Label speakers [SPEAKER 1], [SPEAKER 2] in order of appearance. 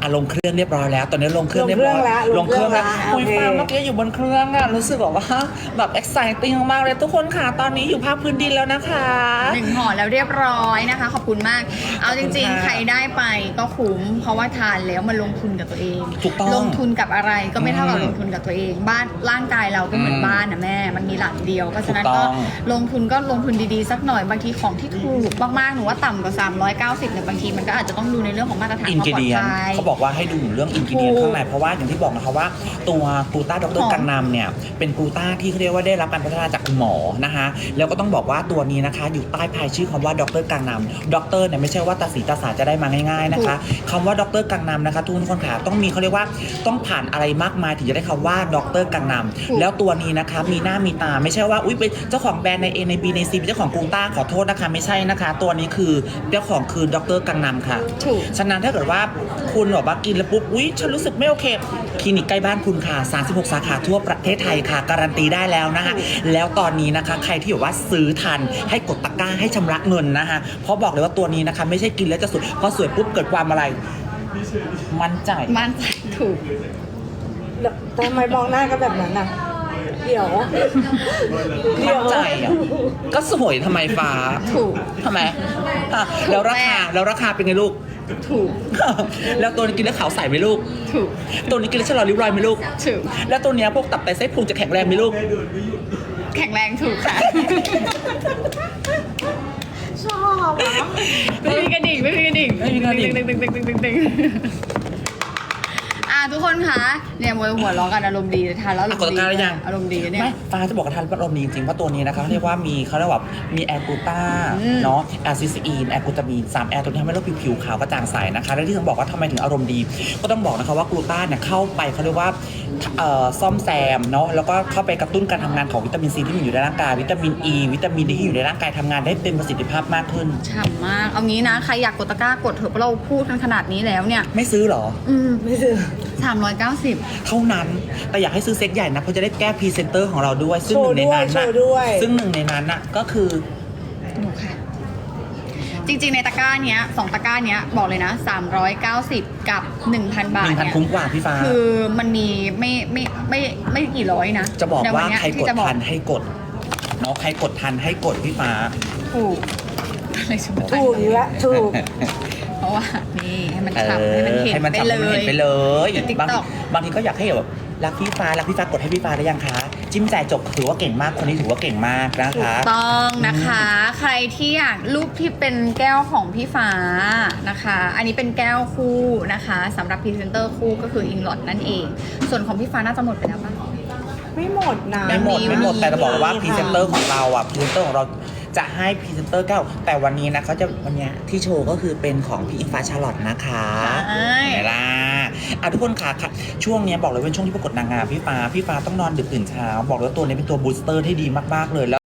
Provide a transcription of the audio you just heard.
[SPEAKER 1] ลงเครื่องเรียบร้อยแล้วตอนนี้ลงเครื่องเรียบร้อยลงเครื่องแล้วคุยฟ้าเมื่อกี้อยู่บนเครื่องอะรู้สึกว่าแบบ exciting มากเลยทุกคนค่ะตอนนี้อยู่ภาคพื้นดินแล้วนะคะ
[SPEAKER 2] 1 ห่อแล้วเรียบร้อยนะคะขอบคุณมากเอาจริงๆใครได้ไปก็คุ้มเพราะว่าทานแล้วมันลงทุนกับตัวเองลงทุนกับอะไรก็ไม่เท่ากับลงทุนกับตัวเองบ้านร่างกายเราก็เหมือนบ้านนะแม่มันมีหลังเดียวเพราะฉะนั้นก็ลงทุนดีๆสักหน่อยบางทีของที่ถูกมากๆหนูว่าต่ำกว่า390เนี่ยบางทีมันก็อาจจะต้องดูในเรื่องของมาตรฐานความปลอดภัย
[SPEAKER 1] เขาบอกว่าให้ดูเรื่องอินกิเดียนข้างในเพราะว่าอย่างที่บอกนะคะว่าตัวกลูต้าดร.กังนำเนี่ยเป็นกลูต้าที่เขาเรียกว่าได้รับการพัฒนาจากคุณหมอนะคะแล้วก็ต้องบอกว่าตัวนี้นะคะอยู่ใต้ภายชื่อคำว่าดร.กังนำดร.เนี่ยไม่ใช่ว่าตาสีตาสาจะได้มาง่ายๆนะคะคำว่าดร.กังนำนะคะทุกคนค่ะต้องมีเขาเรียกว่าต้องผ่านอะไรมากมายถึงจะได้คำว่าดร.กังนำแล้วตัวนี้นะคะมีหน้ามีตาไม่ใช่ว่าอุ้ยเป็นเจ้าของแบรนด์ใน A ใน B ใน C เป็นเจ้าของกลูต้าขอโทษนะคะไม่ใช่นะคะตัวนี้คือเจ้าของคือดร.กังนำค่ะฉะนั้นถ้าเกิดว่าคุณบอกว่ากินแล้วปุ๊บอุ๊ยฉันรู้สึกไม่โอเคคลินิกใกล้บ้านคุณค่ะ36 สาขาทั่วประเทศไทยค่ะการันตีได้แล้วนะคะแล้วตอนนี้นะคะใครที่บอกว่าซื้อทันให้กดตะกร้าให้ชำระเงินนะคะเพราะบอกเลยว่าตัวนี้นะคะไม่ใช่กินแล้วจะสวยพอสวยปุ๊บเกิดความอะไรมั่นใจ
[SPEAKER 2] ถูก
[SPEAKER 3] ทำไมมองหน้ากันแบบนั้นน่ะเดี๋ยว
[SPEAKER 1] มั่นใจอ่ะก็สวยทำไมฟ้า
[SPEAKER 2] ถูก
[SPEAKER 1] ทำไมแล้วราคาเป็นไงลูก
[SPEAKER 2] ถูก
[SPEAKER 1] แล้วตัวนี้กินแล้วขาวใสไหมลูก
[SPEAKER 2] ถูก
[SPEAKER 1] ตัวนี้กินแล้วชะลอริ้วรอยไหมลูก
[SPEAKER 2] ถูก
[SPEAKER 1] แล้วตัวนี้พวกตับไตไส้พุงจะแข็งแรงไหมลูก
[SPEAKER 2] แข็งแรงถูกค่ะ
[SPEAKER 3] ชอบ
[SPEAKER 2] ไม่มีกระดิ่งดึงทุกคนคะเนี่ยมวยหัวล้อกันอารมณ์ดีทานแล้วอารมณ์ดีอารมณ์ดีเนี่ย
[SPEAKER 1] ไม่ฟ้าจะบอกกับทานอารมณ์ดีจริงๆเพราะตัวนี้นะคะเรียกว่ามีเขาเรียกว่ามีแอลกูต้าเนาะแอลซิสอีนแอลกูตามีน3แอลตัวนี้ทำให้เราผิวขาวกระจ่างใสนะคะและที่ต้องบอกว่าทำไมถึงอารมณ์ดีก็ต้องบอกนะคะว่ากลูต้าเนี่ยเข้าไปเขาเรียกว่าซ่อมแซมเนาะแล้วก็เข้าไปกระตุ้นการทำงานของวิตามินซีที่มีอยู่ในร่างกายวิตามินอีวิตามินดีที่อยู่ในร่างกายทำงานได้เต็มประสิทธิภาพมากขึ้น
[SPEAKER 2] ฉ่ำมากเอางี้นะใครอยากกดตะกร้ากดเถอะเพราะเราพูดกันขนาดนี้แล้วเนี่ย
[SPEAKER 1] ไม่ซื้อหรอ
[SPEAKER 3] ไม่ซื้อ
[SPEAKER 2] 390
[SPEAKER 1] เท่านั้นแต่อยากให้ซื้อเซ็ตใหญ่นะเพราะจะได้แก้พรีเซนเตอร์ของเราด้วยซึ่งหนึ่งในนั้นน่ะก็คือ
[SPEAKER 2] หนูค่ะจริงๆในตะกร้าเนี้ย2ตะกร้าเนี้ยบอกเลยนะ390กับ 1,000 บาทเนี่ย
[SPEAKER 1] คุ้มกว่าพี่ฟ้า
[SPEAKER 2] คือมันมีไม่กี่ร้อยนะ
[SPEAKER 1] จะบอกว่าใครกดทันให้กดเนาะใครกดทันให้กดพี่ฟ้า
[SPEAKER 2] ถูกอะไรสมมติ
[SPEAKER 3] ถูกอยู่แล้วถูก
[SPEAKER 2] เพราะว่านี่ให้มันฉ่ำให้มันเห็น
[SPEAKER 1] ไปเลยบางทีก็อยากให้แบบรักพี่ฟ้ากดให้พี่ฟ้าได้ยังคะจิ้มจ่ายจบถือว่าเก่งมากคนนี้ถือว่าเก่งมากนะคะ
[SPEAKER 2] ต้องนะคะใครที่อยากรูปที่เป็นแก้วของพี่ฟ้านะคะอันนี้เป็นแก้วคู่นะคะสำหรับพรีเซนเตอร์คู่ก็คืออิงลอดนั่นเองส่วนของพี่ฟ้าน่าจะหมดไปแล้วป่ะ
[SPEAKER 3] ไม่หมดนะ
[SPEAKER 1] ไม่หมดแต่จะบอกว่าพรีเซนเตอร์ของเราอ่ะพรีเซนเตอร์ของเราจะให้พรีเซนเตอร์แก้วแต่วันนี้นะเขาจะวันนี้ที่โชว์ก็คือเป็นของพี่อิงฟ้าชาลอตนะคะไหนล่ะทุกคนค่ะช่วงนี้บอกเลยเป็นช่วงที่ประกวดนางงามพี่ฟ้าต้องนอนดึกตื่นเช้าบอกเลยว่าตัวนี้เป็นตัวบูสเตอร์ที่ดีมากๆเลย